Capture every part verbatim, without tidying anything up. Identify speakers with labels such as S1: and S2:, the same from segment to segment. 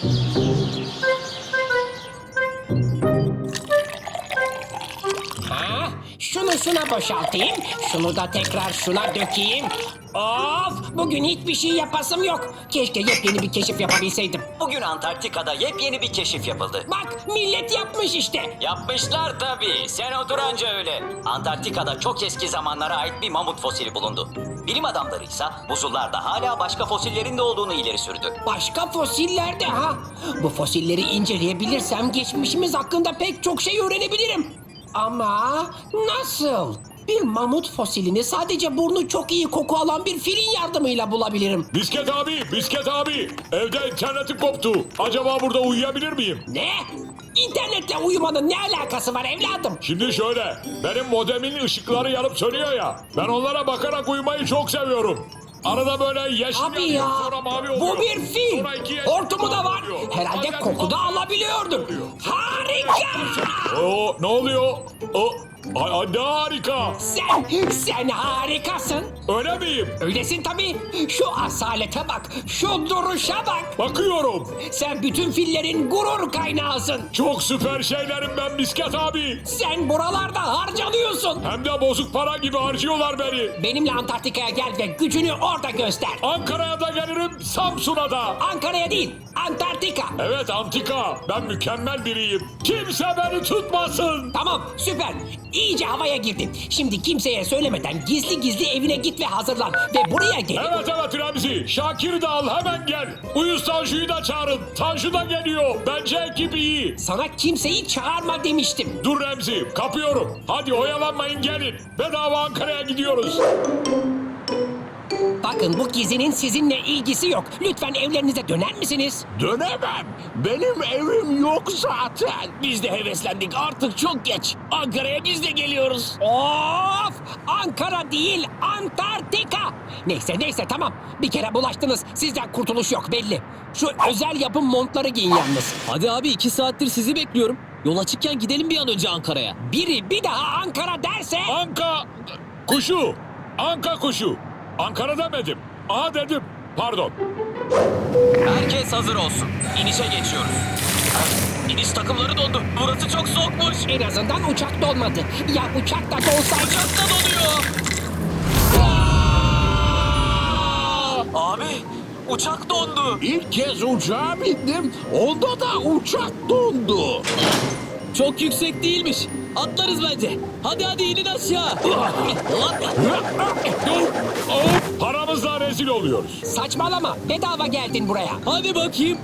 S1: Ha, şunu şuna boşaltayım. Şunu da tekrar şuna dökeyim. Of! Bugün hiçbir şey yapasım yok. Keşke yepyeni bir keşif yapabilseydim.
S2: Bugün Antarktika'da yepyeni bir keşif yapıldı.
S1: Bak millet yapmış işte.
S2: Yapmışlar tabii. Sen otur anca öyle. Antarktika'da çok eski zamanlara ait bir mamut fosili bulundu. Bilim adamları ise buzullarda hala başka fosillerin de olduğunu ileri sürdü.
S1: Başka fosiller de ha. Bu fosilleri inceleyebilirsem geçmişimiz hakkında pek çok şey öğrenebilirim. Ama nasıl? Bir mamut fosilini sadece burnu çok iyi koku alan bir filin yardımıyla bulabilirim.
S3: Bisket abi, Bisket abi. Evde internetim koptu. Acaba burada uyuyabilir miyim?
S1: Ne? İnternetle uyumanın ne alakası var evladım?
S3: Şimdi şöyle, benim modemin ışıkları yanıp sönüyor ya. Ben onlara bakarak uyumayı çok seviyorum. Arada böyle yeşil
S1: Abi
S3: yanıyor,
S1: ya,
S3: sonra mavi oluyor.
S1: bu bir fil.
S3: Sonra iki yeşil,
S1: Hortumu da
S3: mavi
S1: var.
S3: oluyor.
S1: Herhalde
S3: Bazen
S1: koku da
S3: mavi
S1: alabiliyordur.
S3: oluyor.
S1: Harika!
S3: Oo, ne oluyor? O, a- a- ne harika.
S1: Sen, sen harikasın.
S3: Öyle miyim?
S1: Öylesin tabii. Şu asalete bak, şu duruşa bak.
S3: Bakıyorum.
S1: Sen bütün fillerin gurur kaynağısın.
S3: Çok süper şeylerim ben Bisket abi.
S1: Sen buralarda harcanıyorsun.
S3: Hem de bozuk para gibi harcıyorlar beni.
S1: Benimle Antarktika'ya gel ve gücünü orada göster.
S3: Ankara'ya da gelirim, Samsun'a da.
S1: Ankara'ya değil, Antarktika.
S3: Evet Antika, ben mükemmel biriyim. Kimse beni tutmasın.
S1: Tamam, süper. İyice havaya girdin. Şimdi kimseye söylemeden gizli gizli evine git ve hazırlan. Ve buraya gel.
S3: Evet evet Remzi, Şakir'i de al hemen gel. Uyuz Tanju'yu da çağırın. Tanju da geliyor. Bence ekip iyi.
S1: Sana kimseyi çağırma demiştim.
S3: Dur Remzi, kapıyorum. Hadi oyalanmayın gelin. Bedava Ankara'ya gidiyoruz.
S1: Bakın bu gezinin sizinle ilgisi yok. Lütfen evlerinize döner misiniz?
S4: Dönemem. Benim evim yok zaten.
S5: Biz de heveslendik, artık çok geç. Ankara'ya biz de geliyoruz.
S1: Of! Ankara değil, Antarktika. Neyse neyse tamam. Bir kere bulaştınız. Sizden kurtuluş yok belli. Şu özel yapım montları giyin yalnız.
S5: Hadi abi, iki saattir sizi bekliyorum. Yol açıkken gidelim bir an önce Ankara'ya.
S1: Biri bir daha Ankara derse...
S3: Anka kuşu. Anka kuşu. Ankara demedim. A dedim. Pardon.
S2: Herkes hazır olsun. İnişe geçiyoruz. İniş takımları dondu. Burası çok soğukmuş.
S1: En azından uçak dolmadı. Ya uçak da dolsaydı...
S2: Uçak da donuyor. Abi, uçak dondu.
S4: İlk kez uçağa bindim. Onda da uçak dondu.
S5: Çok yüksek değilmiş. Atlarız bence. Hadi hadi inin aşağı.
S3: Paramızla rezil oluyoruz.
S1: Saçmalama. Bedava geldin buraya.
S5: Hadi bakayım.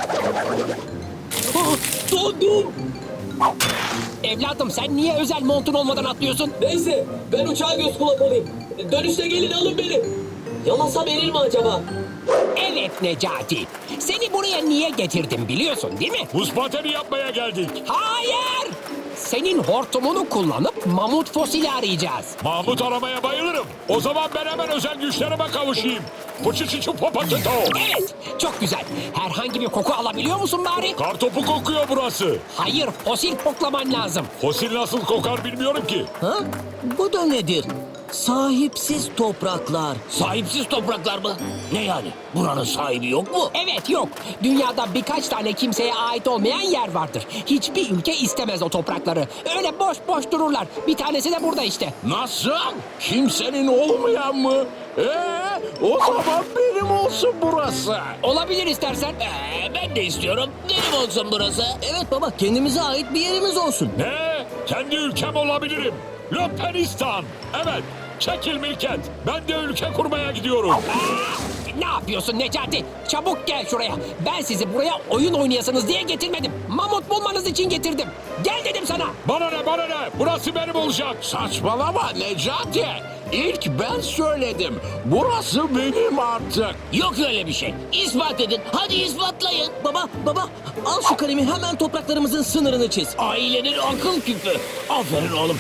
S5: Ah, dondum.
S1: Evladım sen niye özel montun olmadan atlıyorsun?
S5: Neyse, ben uçağa göz kulak olayım. Dönüşte gelin alın beni. Yalasam erir mi acaba?
S1: Evet Necati. Seni buraya niye getirdim biliyorsun değil mi?
S3: Buz pateni yapmaya geldik.
S1: Hayır! Senin hortumunu kullanıp mamut fosili arayacağız.
S3: Mahmut aramaya bayılırım. O zaman ben hemen özel güçlerime kavuşayım. Pıçıçıçı popatito.
S1: Evet, çok güzel. Herhangi bir koku alabiliyor musun bari?
S3: Kartopu kokuyor burası.
S1: Hayır, fosil koklaman lazım.
S3: Fosil nasıl kokar bilmiyorum ki.
S6: Ha? Bu da nedir? Sahipsiz topraklar.
S5: Sahipsiz topraklar mı? Ne yani? Buranın sahibi yok mu?
S1: Evet yok. Dünyada birkaç tane kimseye ait olmayan yer vardır. Hiçbir ülke istemez o toprakları. Öyle boş boş dururlar. Bir tanesi de burada işte.
S4: Nasıl? Kimsenin olmayan mı? Ee, o zaman benim olsun burası.
S1: Olabilir istersen.
S5: Ee, ben de istiyorum. Benim olsun burası.
S6: Evet baba, kendimize ait bir yerimiz olsun.
S3: Ne? Kendi ülkem olabilirim. Löpenistan. Evet. Çekil Milket. Ben de ülke kurmaya gidiyorum.
S1: Ne yapıyorsun Necati? Çabuk gel şuraya. Ben sizi buraya oyun oynayasınız diye getirmedim. Mamut bulmanız için getirdim. Gel dedim sana.
S3: Bana ne bana ne? Burası benim olacak.
S4: Saçmalama Necati. İlk ben söyledim. Burası benim artık.
S5: Yok öyle bir şey. İspat edin. Hadi ispatlayın.
S6: Baba, baba al şu kalemi, hemen topraklarımızın sınırını çiz.
S5: Ailenin akıl küpü. Aferin oğlum.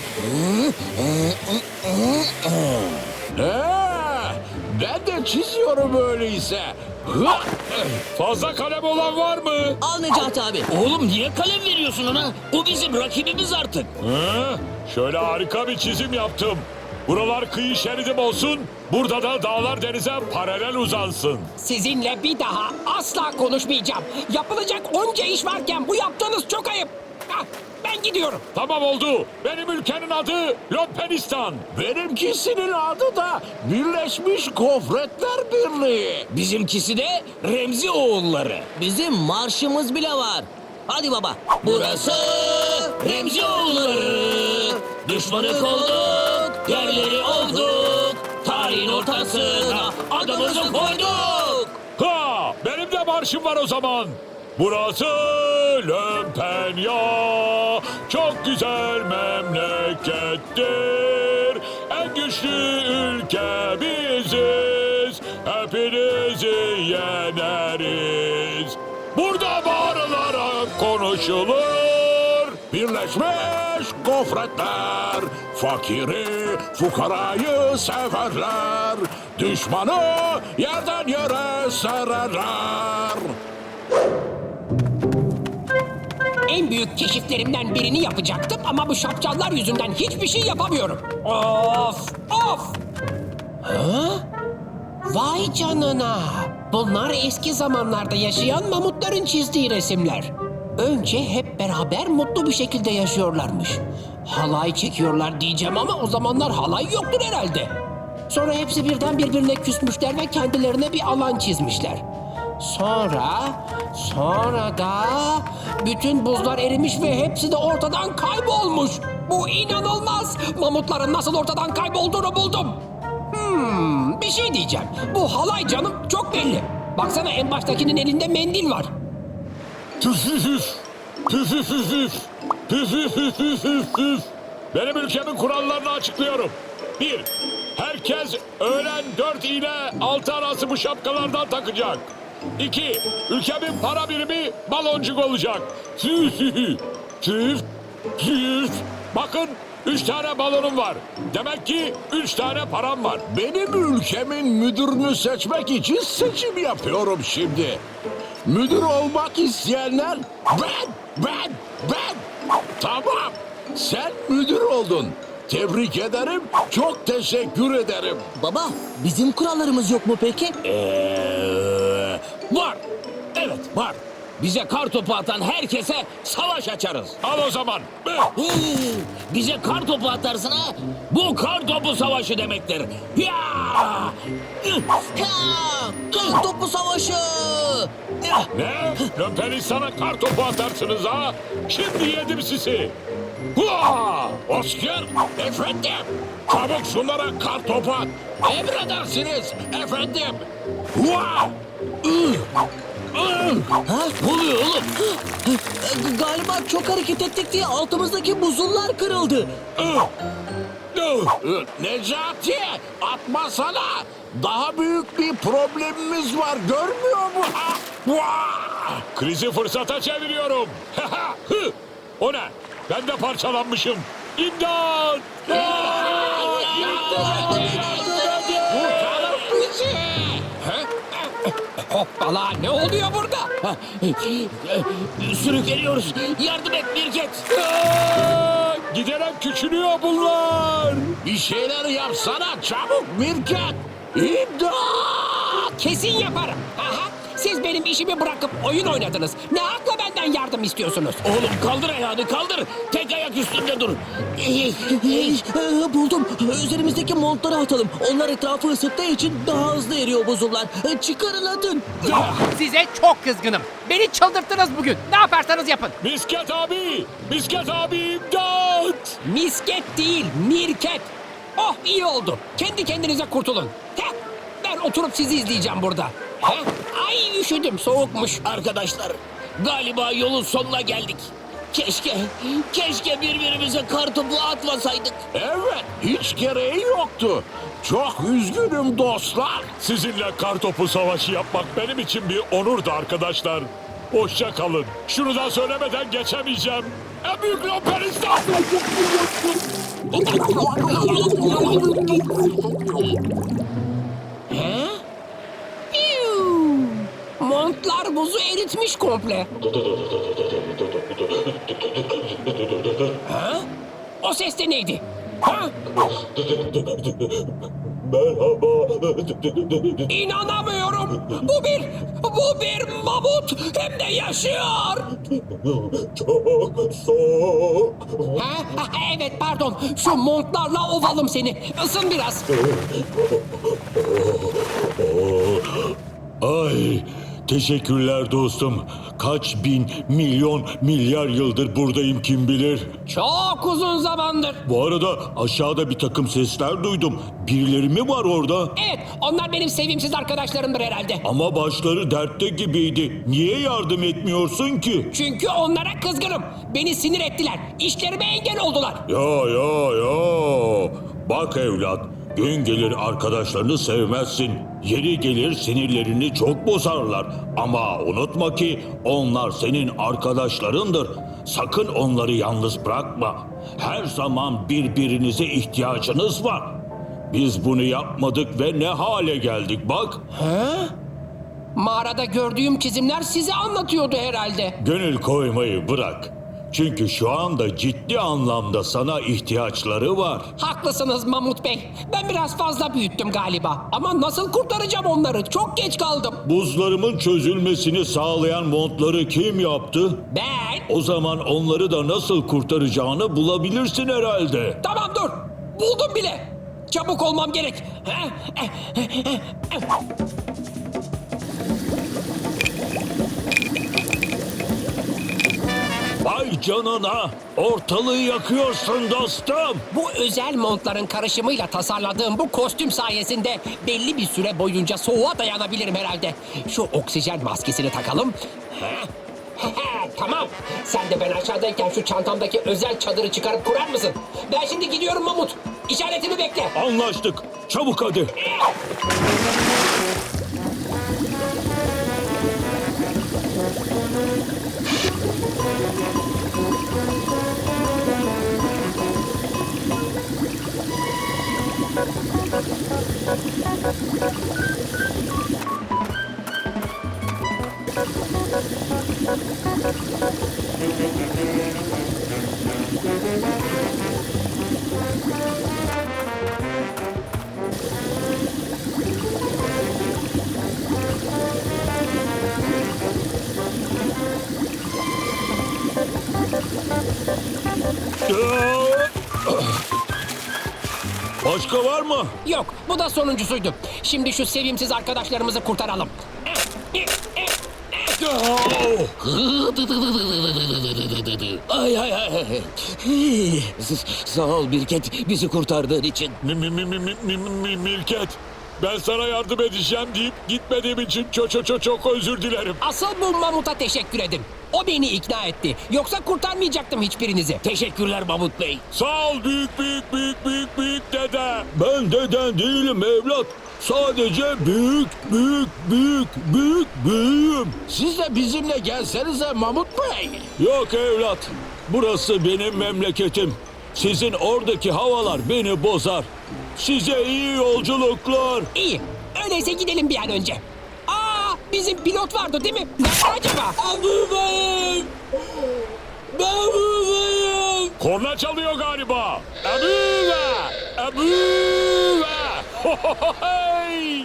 S4: Ee, ben de çiziyorum öyleyse. Hı!
S3: Fazla kalem olan var mı?
S6: Al Necati abi.
S5: Oğlum niye kalem veriyorsun ona? O bizim rakibimiz artık.
S3: Hı? Şöyle harika bir çizim yaptım. Buralar kıyı şeridim olsun. Burada da dağlar denize paralel uzansın.
S1: Sizinle bir daha asla konuşmayacağım. Yapılacak onca iş varken bu yaptığınız çok ayıp. Hah, ben gidiyorum.
S3: Tamam oldu. Benim ülkenin adı Lopenistan.
S4: Benimkisinin adı da Birleşmiş Gofretler Birliği.
S6: Bizimkisi de Remzi oğulları. Bizim marşımız bile var. Hadi baba. Burası Remzi oğulları. Düşmanı kolduk, yerleri olduk. Tarihin ortasına adımızı koyduk.
S3: Ha, benim de marşım var o zaman. Burası Lömpenya, çok güzel memlekettir. En güçlü ülke biziz, hepinizi yeneriz. Burada bağırılarak konuşulur.
S4: Birleşmiş Gofretler, fakiri, fukarayı severler. Düşmanı yerden yere sererler.
S1: En büyük keşiflerimden birini yapacaktım ama bu şapşallar yüzünden hiçbir şey yapamıyorum. Of! Of! Ha? Vay canına! Bunlar eski zamanlarda yaşayan mamutların çizdiği resimler. Önce hep beraber mutlu bir şekilde yaşıyorlarmış. Halay çekiyorlar diyeceğim ama o zamanlar halay yoktur herhalde. Sonra hepsi birden birbirine küsmüşler ve kendilerine bir alan çizmişler. Sonra, sonra da bütün buzlar erimiş ve hepsi de ortadan kaybolmuş. Bu inanılmaz. Mamutların nasıl ortadan kaybolduğunu buldum. Hmm, bir şey diyeceğim. Bu halay canım çok belli. Baksana en baştakinin elinde mendil var.
S3: Püfüfüf, püfüfüfüf, püfüfüfüfüfüf. Benim ülkemin kurallarını açıklıyorum. Bir, herkes öğlen dört ile altı arası bu şapkalardan takacak. İki, ülkemin para birimi baloncuk olacak. Püfüfüf, püf, püf. Bakın, üç tane balonum var. Demek ki üç tane param var.
S4: Benim ülkemin müdürünü seçmek için seçim yapıyorum şimdi. Müdür olmak isteyenler ben, ben, ben. Tamam, sen müdür oldun. Tebrik ederim, çok teşekkür ederim.
S6: Baba, bizim kurallarımız yok mu peki?
S4: Ee, var, evet var. Bize kar topu atan herkese savaş açarız.
S3: Al o zaman.
S6: Huu, bize kar topu atarsın ha? Bu kar topu savaşı demektir. Ya! Ha! Kar topu savaşı! Ya!
S3: Ne? Lömpenistan'a kar topu atarsınız ha? Şimdi yedim sizi. Hua!
S4: Oscar, efendim. Çabuk şunlara kar topu at. Emredersiniz efendim. Hua! Ih! Ih!
S6: Ha? Ne oluyor oğlum? Galiba çok hareket ettik diye altımızdaki buzullar kırıldı.
S3: Ih!
S4: Ih, Necati, atmasana. Daha büyük bir problemimiz var, görmüyor mu? Ah! Hua!
S3: Krizi fırsata çeviriyorum. Hı! O ne? Ben de parçalanmışım. İmdat!
S4: Kurtarın bizi.
S1: Hoppala ne oluyor burada?
S6: Sürükleniyoruz. Yardım et Mirket.
S3: Aa! Giderek küçülüyor bunlar.
S4: Bir şeyler yapsana çabuk Mirket. İmdat!
S1: Kesin yaparım. Aha, siz benim işimi bırakıp oyun oynadınız. Ne hakla benden yardım istiyorsunuz?
S6: Oğlum kaldır ayağını kaldır. Tek ayak üstünde dur. Buldum. Üzerimizdeki montları atalım. Onlar etrafı ısıttığı için daha hızlı eriyor buzullar. Çıkarın atın.
S7: Size çok kızgınım. Beni çıldırttınız bugün. Ne yaparsanız yapın.
S3: Misket abi! Misket abi imdat!
S1: Misket değil, mirket. Oh iyi oldu. Kendi kendinize kurtulun. Heh, ben oturup sizi izleyeceğim burada. Heh, ay üşüdüm, soğukmuş.
S6: Arkadaşlar galiba yolun sonuna geldik. Keşke, keşke birbirimize kartopu atmasaydık.
S4: Evet, hiç gereği yoktu. Çok üzgünüm dostlar.
S3: Sizinle kartopu savaşı yapmak benim için bir onurdu arkadaşlar. Hoşça kalın. Şunu da söylemeden geçemeyeceğim. En büyük Löpenistan!
S1: He? Piu! Montlar buzu eritmiş komple. Ha? O ses de neydi? Ha?
S3: Merhaba.
S1: İnanamıyorum. Bu bir, bu bir mamut. Hem de yaşıyor.
S3: Çok soğuk.
S1: Ha? Ha, evet pardon. Şu montlarla ovalım seni. Isın biraz.
S3: Ay, teşekkürler dostum. Kaç bin, milyon, milyar yıldır buradayım kim bilir.
S1: Çok uzun zamandır.
S3: Bu arada aşağıda bir takım sesler duydum. Birileri mi var orada?
S1: Evet, onlar benim sevimsiz arkadaşlarımdır herhalde.
S3: Ama başları dertte gibiydi. Niye yardım etmiyorsun ki?
S1: Çünkü onlara kızgınım. Beni sinir ettiler. İşlerime engel oldular.
S3: Ya ya ya. Bak evlat, gün gelir arkadaşlarını sevmezsin. Yeri gelir sinirlerini çok bozarlar. Ama unutma ki onlar senin arkadaşlarındır. Sakın onları yalnız bırakma. Her zaman birbirinize ihtiyacınız var. Biz bunu yapmadık ve ne hale geldik bak.
S1: Mağarada gördüğüm çizimler size anlatıyordu herhalde.
S3: Gönül koymayı bırak. Çünkü şu anda ciddi anlamda sana ihtiyaçları var.
S1: Haklısınız Mamut Bey. Ben biraz fazla büyüttüm galiba. Ama nasıl kurtaracağım onları? Çok geç kaldım.
S3: Buzlarımın çözülmesini sağlayan montları kim yaptı?
S1: Ben...
S3: O zaman onları da nasıl kurtaracağını bulabilirsin herhalde.
S1: Tamam dur. Buldum bile. Çabuk olmam gerek.
S3: Vay canına! Ortalığı yakıyorsun dostum.
S1: Bu özel montların karışımıyla tasarladığım bu kostüm sayesinde belli bir süre boyunca soğuğa dayanabilirim herhalde. Şu oksijen maskesini takalım. Tamam. Sen de ben aşağıdayken şu çantamdaki özel çadırı çıkarıp kurar mısın? Ben şimdi gidiyorum Mamut. İşaretimi bekle.
S3: Anlaştık. Çabuk hadi. Başka var mı?
S1: Yok, bu da sonuncusuydu. Şimdi şu sevimsiz arkadaşlarımızı kurtaralım.
S6: Ay ay ay. S- Sağ ol Birket bizi kurtardığın için.
S3: Mi, mi, mi, mi, mi, mi, mi, Milket. Ben sana yardım edeceğim deyip gitmediğim için çok çok çok çok özür dilerim.
S1: Asıl bu Mamut'a teşekkür edin. O beni ikna etti. Yoksa kurtarmayacaktım hiçbirinizi.
S6: Teşekkürler Mahmut Bey.
S3: Sağ ol büyük büyük büyük büyük büyük dede. Ben deden değilim evlat. Sadece büyük büyük büyük büyük büyüğüm.
S4: Siz de bizimle gelsenize Mahmut Bey.
S3: Yok evlat. Burası benim memleketim. Sizin oradaki havalar beni bozar. Size iyi yolculuklar.
S1: İyi. Öyleyse gidelim bir an önce. Aa, bizim pilot vardı değil mi? Nerede acaba?
S5: Buradayım. Ben buradayım.
S3: Korna çalıyor galiba. Ebüve! Ebüve! Hohohoy!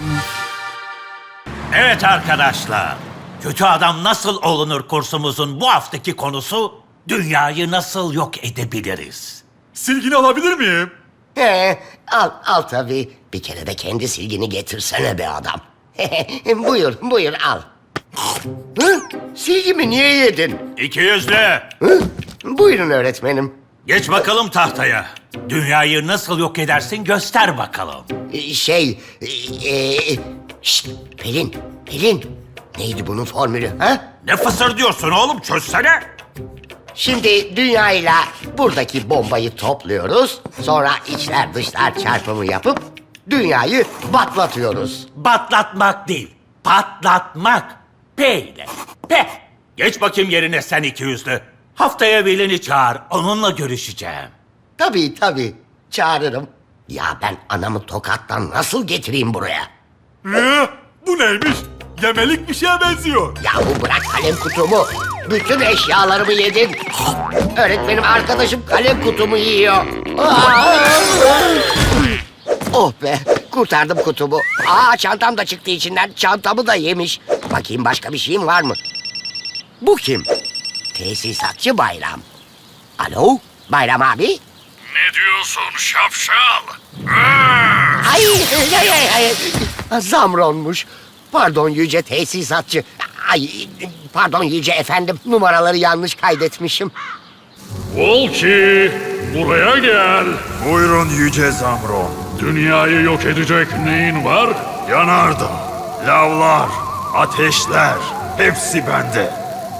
S8: Evet arkadaşlar, kötü adam nasıl olunur kursumuzun bu haftaki konusu dünyayı nasıl yok edebiliriz?
S9: Silgini alabilir miyim?
S10: He, al, al tabii. Bir kere de kendi silgini getirsene be adam. buyur, buyur al. Hı? Silgimi niye yedin?
S8: İki yüzlü,
S10: Hı? Buyurun öğretmenim.
S8: geç bakalım tahtaya. Dünyayı nasıl yok edersin göster bakalım.
S10: Ee, Şey, e, e, şşt, Pelin, Pelin. Neydi bunun formülü ha?
S8: Ne fısır diyorsun oğlum çözsene.
S10: Şimdi dünyayla buradaki bombayı topluyoruz. Sonra içler dışlar çarpımı yapıp dünyayı batlatıyoruz.
S8: Batlatmak değil, patlatmak. P ile. P. Geç bakayım yerine sen iki yüzlü. Haftaya velini çağır, onunla görüşeceğim.
S10: Tabii tabii, çağırırım. Ya ben anamı tokattan nasıl getireyim buraya?
S9: Ee, bu neymiş? Yemelik bir şeye benziyor.
S10: Yahu bırak kalem kutumu. Bütün eşyalarımı yedin. Öğretmenim arkadaşım kalem kutumu yiyor. Aa! Oh be, kurtardım kutumu. Aa, çantam da çıktı içinden. Çantamı da yemiş. Bakayım başka bir şeyim var mı? Bu kim? Tesisatçı Bayram. Alo, Bayram abi?
S3: Ne diyorsun şapşal?
S10: Ay, ay, ay, ay. Zamronmuş. Pardon yüce tesisatçı. Ay, pardon yüce efendim. Numaraları yanlış kaydetmişim.
S3: Volki, buraya gel.
S9: Buyurun Yüce Zamron.
S3: Dünyayı yok edecek neyin var?
S9: Yanardağ, lavlar, ateşler hepsi bende.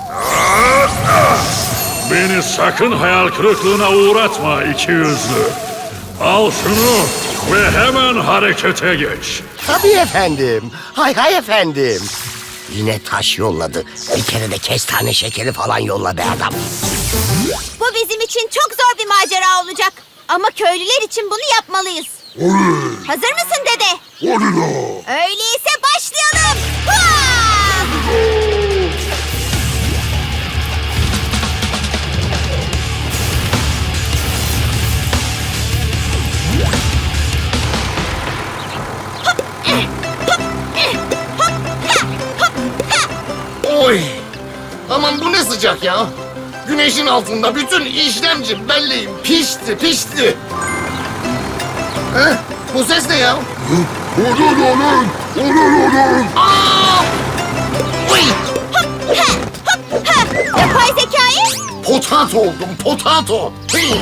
S3: Beni sakın hayal kırıklığına uğratma iki yüzlü. Al şunu ve hemen harekete geç.
S10: Tabii efendim. Hay hay efendim. Yine taş yolladı. Bir kere de kestane şekeri falan yolla be adam.
S11: Bu bizim için çok zor bir macera olacak. Ama köylüler için bunu yapmalıyız. Hazır mısın dede? Öyleyse başlayalım. Hua!
S12: Oy! Aman bu ne sıcak ya? Güneşin altında bütün işlemci belleğim pişti pişti. Heh, bu ses ne ya? Olun olun! Olun olun! Aa! Uy!
S11: Yapay zekayı
S12: Potato oldum potato. Hii!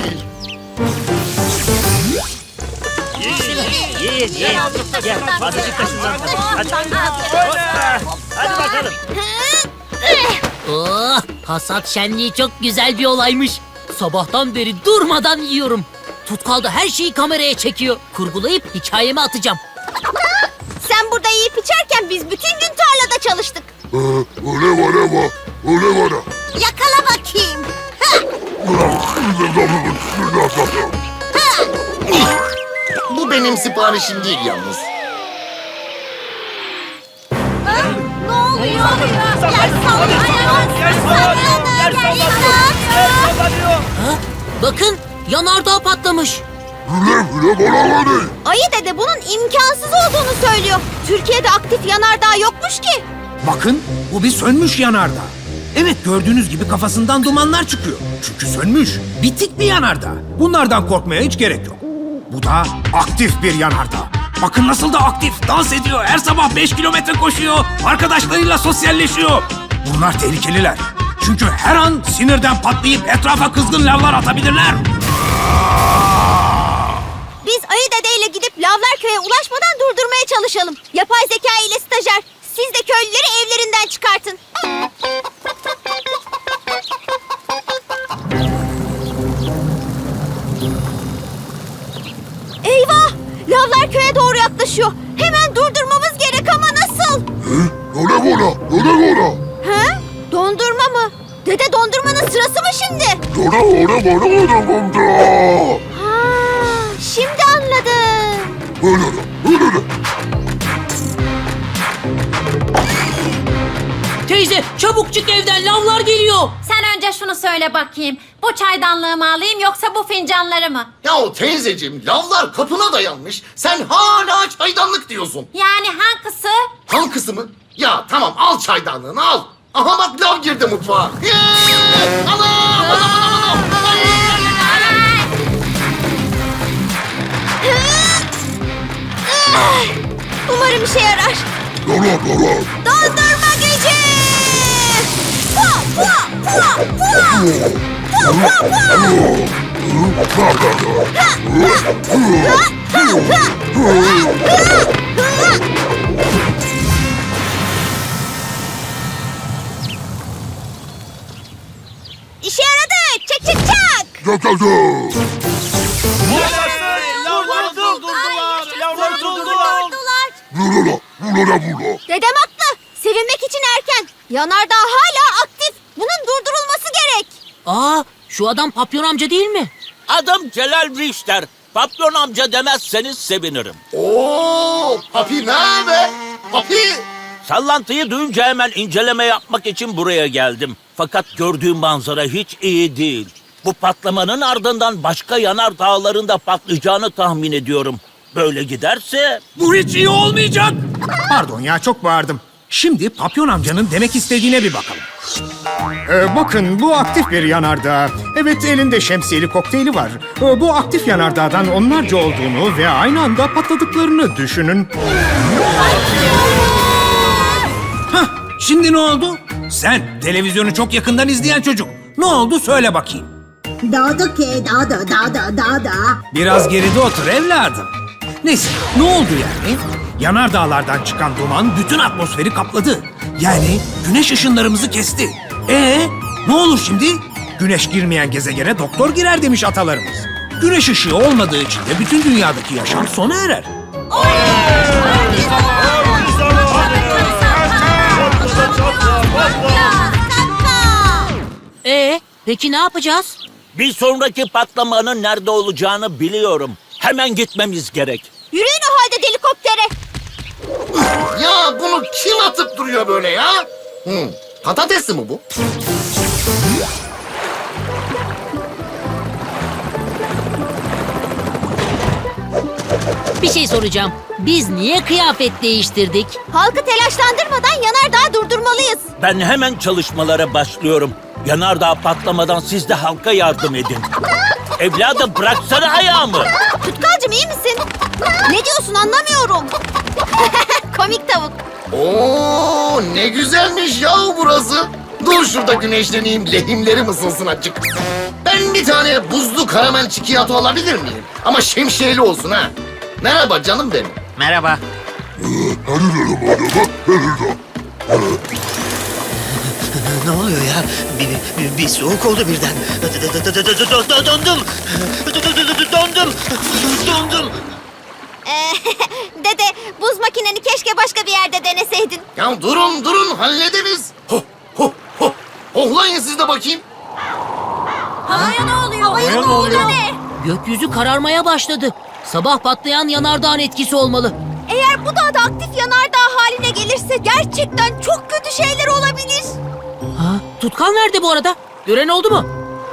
S13: Oh, hasat şenliği çok güzel bir olaymış. Sabahtan beri durmadan yiyorum. Tutkal da her şeyi kameraya çekiyor. Kurgulayıp hikayeme atacağım.
S11: sen burada yiyip içerken biz bütün gün tarlada çalıştık.
S12: Öyle var ama öyle var.
S11: Yakala bakayım.
S12: Bu benim siparişim değil yalnız.
S11: Ne oluyor? Yer sallanıyor. Yer sallanıyor. Yer sallanıyor.
S13: Ha? Bakın yanardağ patlamış.
S11: Ayı dede bunun imkansız olduğunu söylüyor. Türkiye'de aktif yanardağ yokmuş ki.
S7: Bakın bu bir sönmüş yanardağ. Evet gördüğünüz gibi kafasından dumanlar çıkıyor. Çünkü sönmüş. Bitik bir yanardağ. Bunlardan korkmaya hiç gerek yok. Bu da aktif bir yanardağ. Bakın nasıl da aktif. Dans ediyor. Her sabah beş kilometre koşuyor. Arkadaşlarıyla sosyalleşiyor. Bunlar tehlikeliler. Çünkü her an sinirden patlayıp etrafa kızgın lavlar atabilirler.
S11: Biz Ayı dedeyle gidip Lavlarköy'e ulaşmadan durdurmaya çalışalım. Yapay zeka ile stajyer, siz de köylüleri evlerinden çıkartın. Eyvah! Lavlarköy'e doğru yaklaşıyor. Hemen durdurmamız gerek ama nasıl? Ha? Dondurma mı? Dede dondurmanın sırası mı şimdi? Ha, şimdi anladım.
S13: Teyze çabuk çık evden, lavlar geliyor.
S11: Sen önce şunu söyle bakayım. Bu çaydanlığı mı alayım yoksa bu fincanları mı?
S12: Yahu teyzeciğim lavlar kapına dayanmış. Sen hala çaydanlık diyorsun.
S11: Yani hangisi?
S12: Hankısı mı? Ya tamam al çaydanlığını al. Aha bak lav girdi mutfağa. Yeee! Anam! Anam anam anam!
S11: Umarım işe yarar. Dondurma gücü! Pua, pua, pua, pua! Pua, pua, pua! Ha, ha, ha, ha, ha, ha. İşe yaradı! Çek çek çak!
S9: Lavları durdurdular. Lavları durdurdular.
S11: Dedem haklı. Sevinmek için erken. Yanardağ hala aktif. Bunun durdurulması gerek.
S13: Aa, şu adam Papyon amca değil mi?
S6: Adım Celal Richter. Papyon amca demezseniz sevinirim.
S12: Oo, papi nerede? Papi!
S6: Sallantıyı duyunca hemen inceleme yapmak için buraya geldim. Fakat gördüğüm manzara hiç iyi değil. Bu patlamanın ardından başka yanardağların da patlayacağını tahmin ediyorum.
S8: Böyle giderse...
S7: Bu hiç iyi olmayacak. Pardon ya, çok bağırdım. Şimdi Papyon amcanın demek istediğine bir bakalım. Ee, bakın, bu aktif bir yanardağ. Evet, elinde şemsiyeli kokteyli var. Ee, bu aktif yanardağdan onlarca olduğunu ve aynı anda patladıklarını düşünün. Hah, şimdi ne oldu? Sen televizyonu çok yakından izleyen çocuk. Ne oldu söyle bakayım.
S11: Dağda ke dağda dağda dağda.
S7: Biraz geride otur evladım. Neyse, ne oldu yani? Yanardağlardan çıkan duman bütün atmosferi kapladı. Yani güneş ışınlarımızı kesti. Ee, ne olur şimdi? Güneş girmeyen gezegene doktor girer demiş atalarımız. Güneş ışığı olmadığı için de bütün dünyadaki yaşam sona erer.
S13: Ee, peki ne yapacağız?
S8: Bir sonraki patlamanın nerede olacağını biliyorum. Hemen gitmemiz gerek.
S11: Yürüyün o halde helikoptere.
S12: Ya bunu kim atıp duruyor böyle ya? Hmm, patatesli mi bu?
S13: Bir şey soracağım. Biz niye kıyafet değiştirdik?
S11: Halkı telaşlandırmadan yanardağı durdurmalıyız.
S8: Ben hemen çalışmalara başlıyorum. Yanardağ patlamadan siz de halka yardım edin. Evladım bıraksana ayağımı.
S11: Tutkalcım iyi misin? Ne diyorsun anlamıyorum. Komik tavuk.
S12: Oo, ne güzelmiş ya burası. Dur şurada güneşleneyim, lehimlerim ısınsın açık. Ben bir tane buzlu karamel çikolata alabilir miyim? Ama şemsiyeli olsun ha. Merhaba canım benim.
S10: Merhaba.
S6: Ne oluyor ya? Bir, bir, bir soğuk oldu birden. Dondum. Dondum. Dondum.
S11: Ee, dede buz makineni keşke başka bir yerde deneseydin.
S12: Ya durun durun hallederiz. Ho ho ho. Ohlayın siz de bakayım.
S11: Havaya ne oluyor? Havaya
S7: ne oluyor?
S11: Ne?
S13: Gökyüzü kararmaya başladı. Sabah patlayan yanardağın etkisi olmalı.
S11: Eğer bu dağda aktif yanardağ haline gelirse gerçekten çok kötü şeyler olabilir.
S13: Ha, Tutkal nerede bu arada? Gören oldu mu?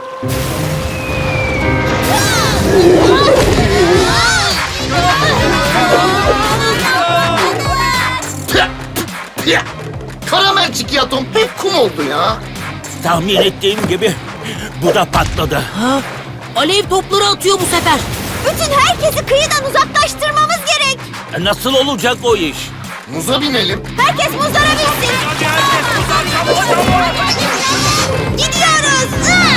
S12: Pya, pya. Karamel çikolatam hep kum oldu ya.
S8: Tahmin ettiğim gibi bu da patladı.
S13: Ha, alev topları atıyor bu sefer.
S11: Bütün herkesi kıyıdan uzaklaştırmamız gerek.
S8: E, Nasıl olacak o iş?
S12: Muza binelim.
S11: Herkes muzlara binsin. Gidiyoruz.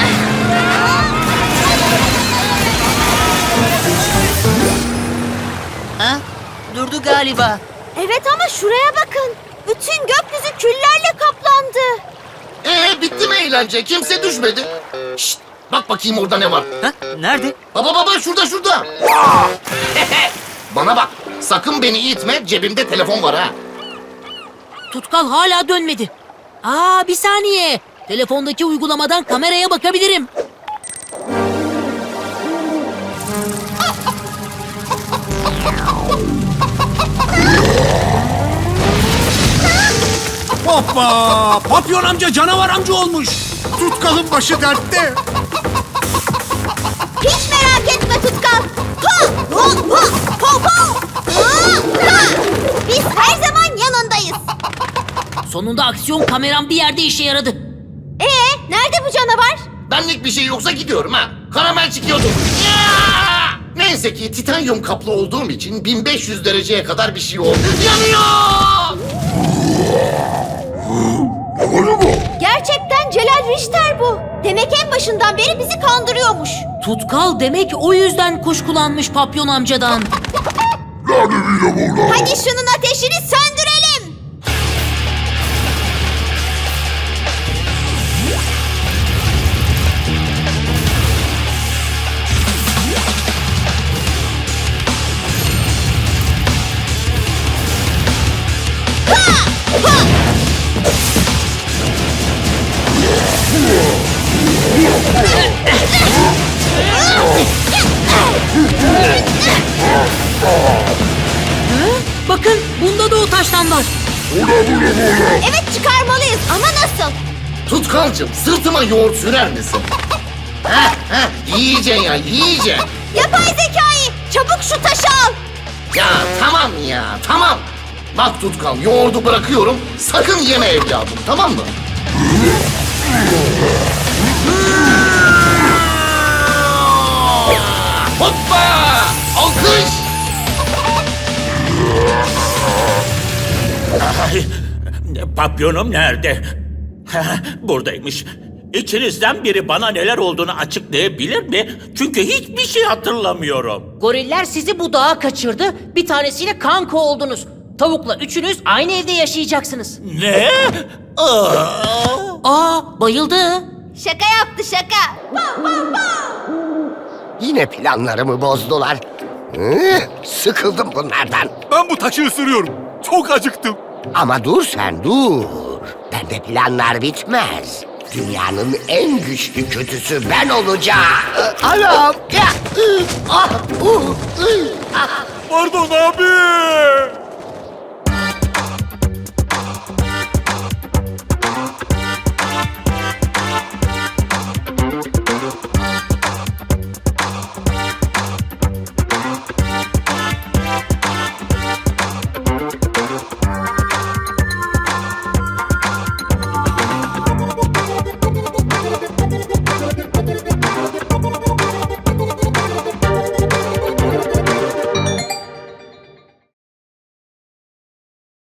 S13: Ha? Durdu galiba.
S11: Evet ama şuraya bakın. Bütün gökyüzü küllerle kaplandı.
S12: Ee bitti mi eğlence? Kimse düşmedi. Şşt, bak bakayım orada ne var.
S13: Ha? Nerede?
S12: Baba baba şurada şurada. Bana bak. Sakın beni itme. Cebimde telefon var ha.
S13: Tutkal hala dönmedi. Aa, bir saniye. Telefondaki uygulamadan kameraya bakabilirim.
S7: Hoppa! Papyon amca canavar amca olmuş. Tutkalın başı dertte.
S11: Hiç merak etme Tutkal. Ha, ho, ho, ho, ho. Ha, ha. Biz her zaman yanındayız.
S13: Sonunda aksiyon kameram bir yerde işe yaradı.
S11: Ee, nerede bu canavar?
S12: Benlik bir şey yoksa gidiyorum ha. Karamel çıkıyordum. Ya! Neyse ki titanyum kaplı olduğum için bin beş yüz dereceye kadar bir şey oldu. Yanıyor!
S11: Gerçekten Celal Richter bu. Demek en başından beri bizi kandırıyormuş.
S13: Tutkal demek o yüzden kuşkulanmış Papyon amcadan.
S11: Hadi şunun ateşini söndürelim.
S13: Bakın bunda da o taştan var.
S11: Evet çıkarmalıyız ama nasıl?
S12: Tutkalcım sırtıma yoğurt sürer misin? Heh heh yiyeceksin ya yiyeceksin.
S11: Yapay zekayı çabuk şu taşı al.
S12: Ya tamam ya, tamam. Bak Tutkal, yoğurdu bırakıyorum. Sakın yeme evladım, tamam mı? Hoppa! Alkış!
S8: Ay, papyonum nerede? Buradaymış. İçinizden biri bana neler olduğunu açıklayabilir mi? Çünkü hiçbir şey hatırlamıyorum.
S13: Goriller sizi bu dağa kaçırdı. Bir tanesiyle kanka oldunuz. Tavukla üçünüz aynı evde yaşayacaksınız.
S8: Ne? Aa!
S13: Aa, bayıldı.
S11: Şaka yaptı şaka.
S10: Yine planlarımı bozdular. Hı, sıkıldım bunlardan.
S9: Ben bu taşı ısırıyorum. Çok acıktım.
S10: Ama dur sen dur. Bende planlar bitmez. Dünyanın en güçlü kötüsü ben olacağım. Anam. Ya, ı, ah, uh, ı, ah.
S9: Pardon abi.